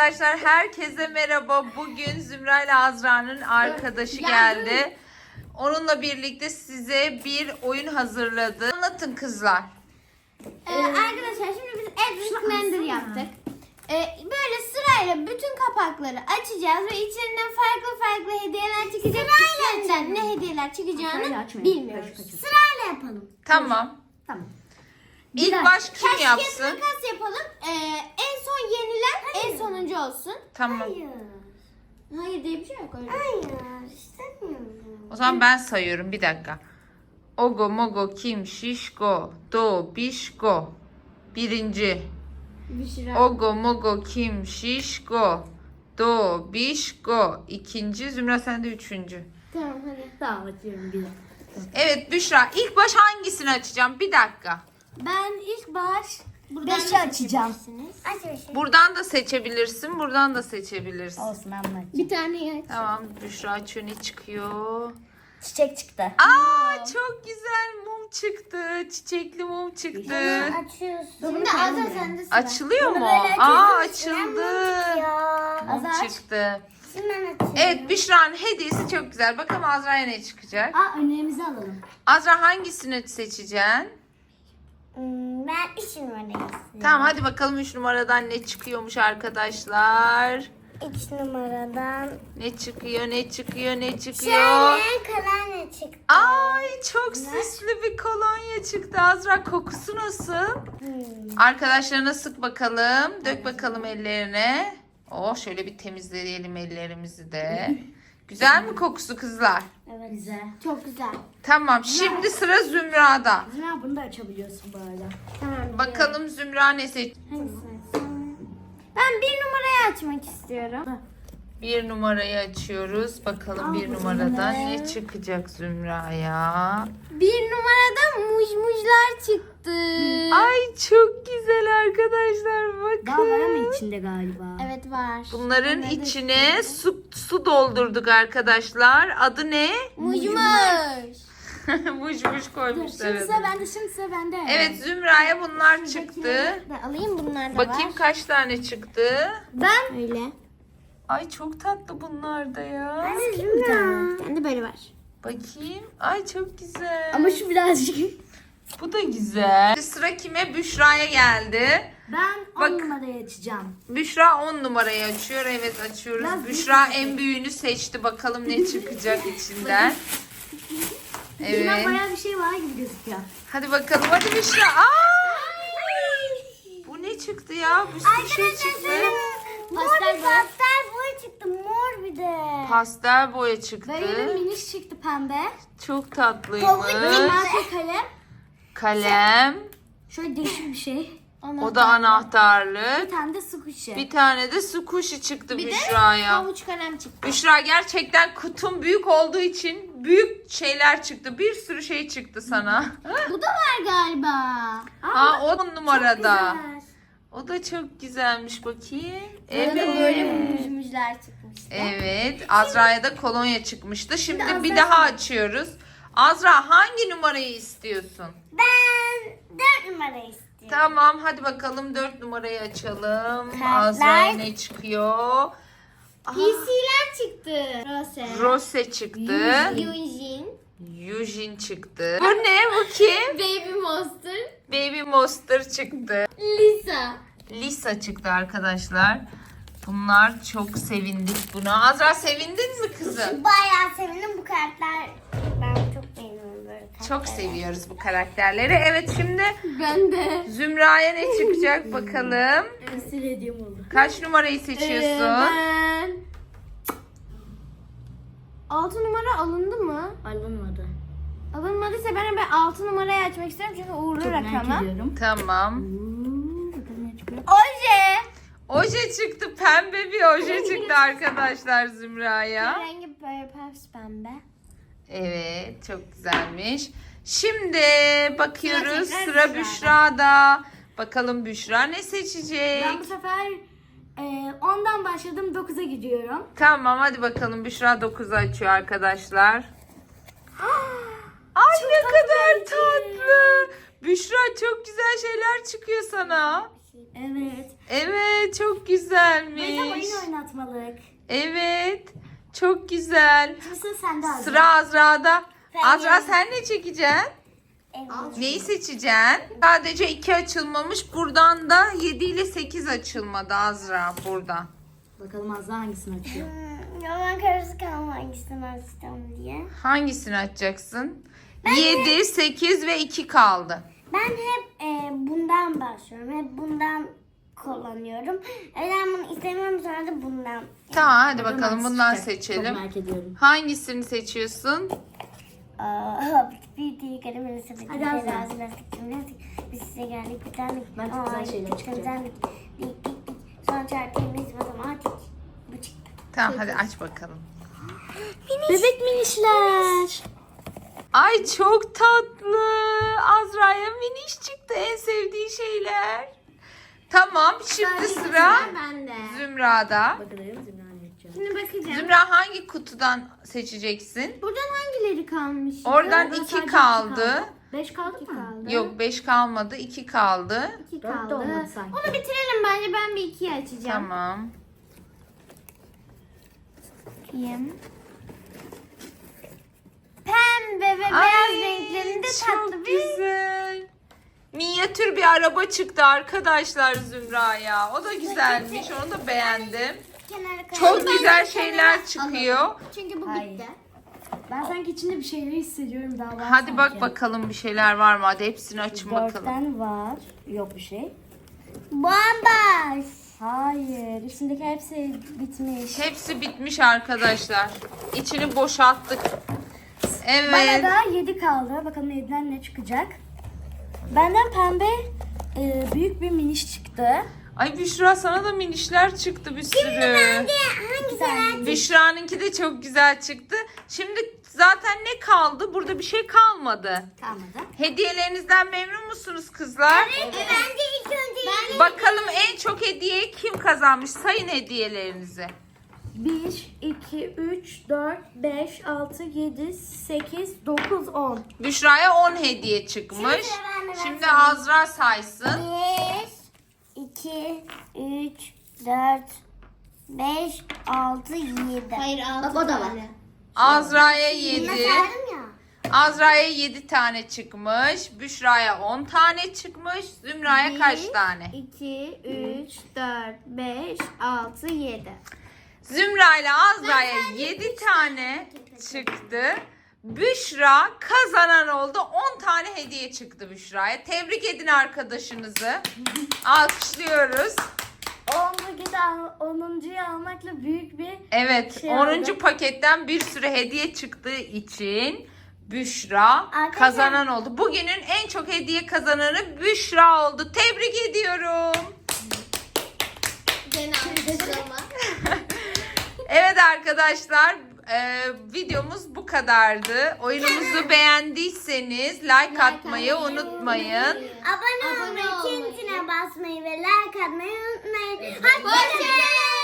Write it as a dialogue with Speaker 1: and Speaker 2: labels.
Speaker 1: arkadaşlar, herkese merhaba. Bugün Zümra ile Azra'nın arkadaşı geldi. Onunla birlikte size bir oyun hazırladı. Anlatın kızlar.
Speaker 2: Arkadaşlar şimdi biz Edwin Blender yaptık. Böyle sırayla bütün kapakları açacağız ve içlerinden farklı hediyeler çıkacak. İçlerinden ne hediyeler çıkacağını bilmiyoruz. Sırayla yapalım.
Speaker 1: Tamam.
Speaker 3: Tamam.
Speaker 1: İlk baş kim
Speaker 2: Taş
Speaker 1: yapsın?
Speaker 2: kağıt makas yapalım. En son yenilen en sonuncu olsun.
Speaker 1: Tamam.
Speaker 2: Hayır diye bir şey yok öyle.
Speaker 3: Hayır istemiyorum.
Speaker 1: O zaman ben sayıyorum. Bir dakika. Ogo, mogo, kim, şişko, do, bişko. Birinci.
Speaker 2: Büşra.
Speaker 1: Ogo, mogo, kim, şişko, do, bişko. İkinci. Zümra sen de üçüncü.
Speaker 2: Tamam hadi.
Speaker 3: Tamam açıyorum bir dakika.
Speaker 1: Evet Büşra, ilk baş hangisini açacağım? Bir dakika.
Speaker 2: Ben ilk baş
Speaker 3: Beşi açacağım.
Speaker 2: Aç beşi.
Speaker 1: Buradan da seçebilirsin, buradan da seçebilirsin.
Speaker 3: Olsun ben bunu açayım.
Speaker 2: Bir tane aç.
Speaker 1: Tamam, Büşra açıyor, ne çıkıyor?
Speaker 3: Çiçek çıktı.
Speaker 1: Aa, çok güzel mum çıktı. Çiçekli mum çıktı.
Speaker 2: Açıyorsun. Şimdi Azra sende sıra.
Speaker 1: Açılıyor mu?
Speaker 3: böyle
Speaker 1: Aa,
Speaker 3: açıyorsun.
Speaker 1: açıldı. Mum
Speaker 2: Azra aç.
Speaker 1: çıktı.
Speaker 3: Şimdi ben açıyorum.
Speaker 1: Evet, Büşra'nın hediyesi çok güzel. Bakalım Azra'ya ne çıkacak?
Speaker 3: Aa önlerimizi alalım.
Speaker 1: Azra hangisini seçeceksin?
Speaker 3: Ben 3 numarayı istiyorum.
Speaker 1: Tamam, hadi bakalım 3 numaradan ne çıkıyormuş arkadaşlar.
Speaker 3: 3 numaradan.
Speaker 1: Ne çıkıyor, ne çıkıyor, ne çıkıyor?
Speaker 3: Şöyle kolonya çıktı.
Speaker 1: Ay, çok süslü bir kolonya çıktı. Azra, kokusu nasıl? Arkadaşlarına sık bakalım. Dök bakalım ellerine. Oh, şöyle bir temizleyelim ellerimizi de. Güzel mi kokusu kızlar?
Speaker 3: Evet. Güzel.
Speaker 2: Çok güzel.
Speaker 1: Tamam, şimdi sıra Zümra'da.
Speaker 3: Zümra bunu da açabiliyorsun bu arada.
Speaker 2: Tamam.
Speaker 1: Bakalım Zümra ne seç?
Speaker 2: Ben bir numarayı açmak istiyorum.
Speaker 1: Bir numarayı açıyoruz. Bakalım bir numaradan ne çıkacak Zümra'ya?
Speaker 2: Bir numarada mujmujlar çıktı.
Speaker 1: Ay, çok güzel arkadaşlar,
Speaker 3: Daha var
Speaker 1: bakın.
Speaker 3: ama içinde galiba.
Speaker 2: Evet var.
Speaker 1: Bunların içine su doldurduk arkadaşlar. Adı ne?
Speaker 2: Mujmuj.
Speaker 1: Muş koymuşlar.
Speaker 3: Şimdi sıra bende, şimdi sıra bende.
Speaker 1: Evet, Zümra'ya bunlar çıktı.
Speaker 2: Ben alayım bunlar da
Speaker 1: Bakayım
Speaker 2: var.
Speaker 1: kaç tane çıktı.
Speaker 2: Ben öyle.
Speaker 1: Ay, çok tatlı bunlar da ya.
Speaker 3: Bir tane.
Speaker 2: Ben de böyle var.
Speaker 1: Bakayım. Ay, çok güzel.
Speaker 3: Ama şu birazcık.
Speaker 1: Bu da güzel. Sıra kime? Büşra'ya geldi.
Speaker 3: Ben 10
Speaker 1: Bak.
Speaker 3: numarayı açacağım.
Speaker 1: Büşra 10 numarayı açıyor. Evet, açıyoruz.
Speaker 3: Biraz
Speaker 1: Büşra
Speaker 3: büyük
Speaker 1: en büyüğünü seçti. Bakalım ne çıkacak içinden.
Speaker 3: İçinden
Speaker 1: Evet.
Speaker 3: bayağı bir şey var gibi gözüküyor.
Speaker 1: Hadi bakalım. Hadi Büşra. Bu ne çıktı ya? Bir sürü şey çıktı.
Speaker 3: Pastel boya.
Speaker 2: Pastel boya çıktı. Mor bir de.
Speaker 1: Pastel boya çıktı.
Speaker 2: Böyle miniş çıktı pembe.
Speaker 1: Çok tatlıymış.
Speaker 2: Mavi kalem.
Speaker 1: Kalem.
Speaker 3: Şöyle değişik bir şey.
Speaker 1: O da anahtarlık.
Speaker 3: Bir tane de squishy.
Speaker 1: Bir tane de su kuşu çıktı
Speaker 2: Bir de
Speaker 1: Büşra'ya.
Speaker 2: havuç kalem çıktı.
Speaker 1: Büşra, gerçekten kutun büyük olduğu için büyük şeyler çıktı. Bir sürü şey çıktı sana.
Speaker 2: Bu da var galiba.
Speaker 1: Aa, o numarada.
Speaker 3: Güzel.
Speaker 1: O da çok güzelmiş, bakayım.
Speaker 2: Burada
Speaker 1: Evet.
Speaker 2: böyle mujmujlar çıkmıştı.
Speaker 1: Evet. Azra'ya da kolonya çıkmıştı. Şimdi
Speaker 2: Şimdi
Speaker 1: bir
Speaker 2: Azra-
Speaker 1: daha açıyoruz. Azra, hangi numarayı istiyorsun?
Speaker 3: Ben 4 numarayı istiyorum.
Speaker 1: Tamam, hadi bakalım 4 numarayı açalım.
Speaker 2: Kartlar.
Speaker 1: Azra'ya ne çıkıyor?
Speaker 2: PC'ler çıktı. Rose.
Speaker 1: Rose çıktı.
Speaker 2: Eugene.
Speaker 1: Eugene çıktı. Bu ne? Bu kim?
Speaker 2: Baby Monster.
Speaker 1: Baby Monster çıktı.
Speaker 2: Lisa.
Speaker 1: Lisa çıktı arkadaşlar. Bunlar, çok sevindik buna. Azra, sevindin mi kızım?
Speaker 3: Bayağı sevindim bu kartlar. Ben çok beğeniyorum böyle kartları.
Speaker 1: Çok seviyoruz bu karakterleri. Evet, şimdi
Speaker 2: Ben de.
Speaker 1: Zümra'ya ne çıkacak bakalım.
Speaker 3: Esir hediyem oldu.
Speaker 1: Kaç numarayı seçiyorsun?
Speaker 2: Ben... 6 numara alındı mı?
Speaker 3: Alınmadı.
Speaker 2: Alınmadıysa ben hemen 6 numarayı açmak istiyorum çünkü uğurlu
Speaker 3: Çok merak
Speaker 2: rakamı.
Speaker 3: ediyorum.
Speaker 1: Tamam.
Speaker 3: Bakalım ne çıkıyor.
Speaker 2: Oje.
Speaker 1: Oje çıktı. Pembe bir oje çıktı arkadaşlar Zümra'ya.
Speaker 2: Rengi böyle pembe.
Speaker 1: Evet, çok güzelmiş. Şimdi bakıyoruz.
Speaker 2: Sıra tekrar
Speaker 1: Sıra Büşra'da. Bakalım Büşra ne seçecek?
Speaker 3: Ben bu sefer 10'dan başladım 9'a gidiyorum.
Speaker 1: Tamam, hadi bakalım. Büşra 9'u açıyor arkadaşlar. Ay, ne kadar tatlı. Büşra, çok güzel şeyler çıkıyor sana.
Speaker 3: Evet.
Speaker 1: Evet, çok
Speaker 3: Böyle
Speaker 1: güzelmiş.
Speaker 3: oyun oynatmalık.
Speaker 1: Evet, çok güzel.
Speaker 3: Şimdi sıra sende Azra.
Speaker 1: Sıra Azra'da. Azra
Speaker 2: geldim.
Speaker 1: sen ne çekeceksin?
Speaker 2: Evet.
Speaker 1: Neyi seçeceksin? Sadece 2 açılmamış. Buradan da 7 ile 8 açılmadı Azra burada.
Speaker 3: Bakalım Azra hangisini açıyor?
Speaker 2: Ben karısı kalma hangisini açacağım diye.
Speaker 1: Hangisini açacaksın? 7, 8 ve 2 kaldı.
Speaker 2: Ben hep bundan başlıyorum. Hep bundan kullanıyorum. Ben bunu istemiyorum sonra da bundan.
Speaker 1: Tamam hadi bakalım
Speaker 3: Hangisi
Speaker 1: bundan
Speaker 3: çıkacak? Çok
Speaker 1: seçelim.
Speaker 3: merak ediyorum.
Speaker 1: Hangisini seçiyorsun?
Speaker 2: Bir diye kalemini sepeti.
Speaker 3: Hadi Azra.
Speaker 2: Terazi lastik cimnastik. Biz size geldik bir tane.
Speaker 3: Ben çok güzel şeyler çıkacak.
Speaker 2: Dik. Son çarpımız matematik. Bu çıktı.
Speaker 1: Tamam hadi aç bakalım.
Speaker 3: Bebek minişler.
Speaker 1: Ay çok tatlı. Azra'ya miniş çıktı, en sevdiği şeyler. Tamam şimdi sıra
Speaker 2: bende.
Speaker 1: Zümra'da.
Speaker 3: Bakalım Zümra ne yapacak?
Speaker 2: Şimdi bakacağım.
Speaker 1: Zümra hangi kutudan seçeceksin?
Speaker 2: Buradan hangileri kalmış?
Speaker 1: Oradan
Speaker 3: Oradan
Speaker 1: 2
Speaker 3: sadece
Speaker 1: kaldı.
Speaker 3: 5 kaldı mı?
Speaker 1: Yok 5 kalmadı, 2 kaldı.
Speaker 2: 2
Speaker 3: Dört de
Speaker 2: kaldı.
Speaker 3: olmadı sanki.
Speaker 2: Onu bitirelim bence. Ben bir 2'yi açacağım.
Speaker 1: Tamam.
Speaker 2: Bakayım. Pembe ve beyaz renklerinde tatlı
Speaker 1: çok
Speaker 2: bir
Speaker 1: güzel. Minyatür bir araba çıktı arkadaşlar Zümra'ya. O da güzelmiş. Onu da beğendim.
Speaker 2: kenara
Speaker 1: Çok
Speaker 2: koyalım.
Speaker 1: güzel
Speaker 2: Ben
Speaker 1: şeyler
Speaker 2: kenara
Speaker 1: çıkıyor.
Speaker 2: alalım. Çünkü bu
Speaker 3: Hayır.
Speaker 2: bitti.
Speaker 3: Ben sanki içinde bir şeyler hissediyorum daha var
Speaker 1: Hadi bak
Speaker 3: sanki.
Speaker 1: bakalım bir şeyler var mı? Hadi hepsini açın bakalım.
Speaker 3: 4'ten var. Yok bir şey.
Speaker 2: Bomboş.
Speaker 3: Hayır. Üstündeki hepsi bitmiş.
Speaker 1: Hepsi bitmiş arkadaşlar. İçini boşalttık. Evet.
Speaker 3: Bana da 7 kaldı. Bakalım 7'den ne çıkacak. Benden pembe büyük bir miniş çıktı.
Speaker 1: Ay Büşra sana da minişler çıktı bir sürü.
Speaker 2: Hangi sen?
Speaker 1: Büşra'nınki de çok güzel çıktı. Şimdi zaten ne kaldı? Burada bir şey kalmadı.
Speaker 3: Kalmadı.
Speaker 1: Hediyelerinizden memnun musunuz kızlar?
Speaker 2: Bence ilk önce
Speaker 1: Bakalım en çok hediye kim kazanmış? Sayın hediyelerinizi.
Speaker 3: 1, 2, 3, 4, 5, 6, 7, 8, 9, 10.
Speaker 1: Büşra'ya 10 hediye çıkmış.
Speaker 2: Şimdi sıra bende, ben
Speaker 1: Şimdi
Speaker 2: sayayım.
Speaker 1: Azra saysın.
Speaker 2: 1, 2, 3, 4, 5, 6, 7. Hayır 6
Speaker 3: Bak o da var.
Speaker 1: Azra'ya 7.
Speaker 2: Ben saydım ya.
Speaker 1: Azra'ya 7 tane çıkmış. Büşra'ya 10 tane çıkmış. Zümra'ya kaç tane?
Speaker 2: 2, 3, 4, 5, 6, 7.
Speaker 1: Zümra ile Azra'ya 7 tane çıktı. Büşra kazanan oldu. 10 tane hediye çıktı Büşra'ya. Tebrik edin arkadaşınızı. Alkışlıyoruz.
Speaker 3: 10'uncuyu almakla büyük bir
Speaker 1: Evet,
Speaker 3: Şey
Speaker 1: 10.
Speaker 3: oldu.
Speaker 1: paketten bir sürü hediye çıktığı için Büşra
Speaker 2: Arkadaşlar-
Speaker 1: kazanan oldu. Bugünün en çok hediye kazananı Büşra oldu. Tebrik ediyorum.
Speaker 2: Gene alkışlama.
Speaker 1: Evet arkadaşlar, videomuz bu kadardı. Oyunumuzu beğendiyseniz like atmayı unutmayın.
Speaker 2: Abone olmayı, çintine basmayı ve like atmayı unutmayın. Hoşçakalın.